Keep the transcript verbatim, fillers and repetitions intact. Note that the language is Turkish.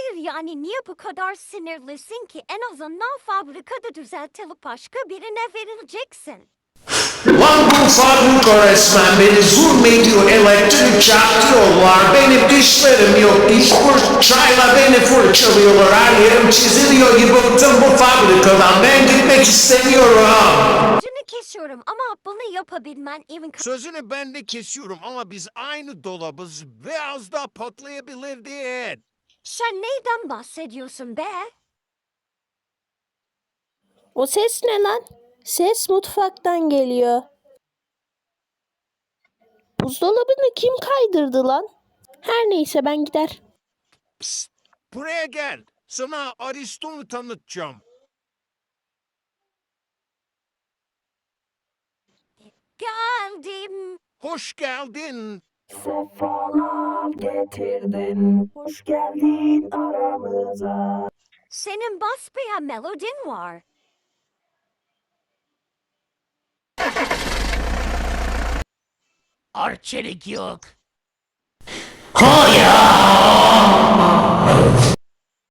Hayır yani niye bu kadar sinirlisin ki? En azından fabrikada düzeltilip başka birine verileceksin. Lan bu fabrika resmen beni zulmediyor, elektrik çarptırıyorlar, benim dişlerim yok, diş fırçayla beni fırçalıyorlar, her yerim çiziliyor gibi bıktım bu fabrikadan, ben gitmek istemiyorum. Sözünü kesiyorum ama bunu yapabilmen evin Sözünü ben de kesiyorum ama biz aynı dolabız ve az daha patlayabilirdi. Sen neyden bahsediyorsun be? O ses ne lan? Ses mutfaktan geliyor. Buzdolabını kim kaydırdı lan? Her neyse ben gider. Psst, buraya gel. Sana Aristo'nu tanıtacağım. Geldim. Hoş geldin. Sefalar getirdin, hoş geldin aramıza. Senin basbayağı melodin var. Arçelik yok. Hayır!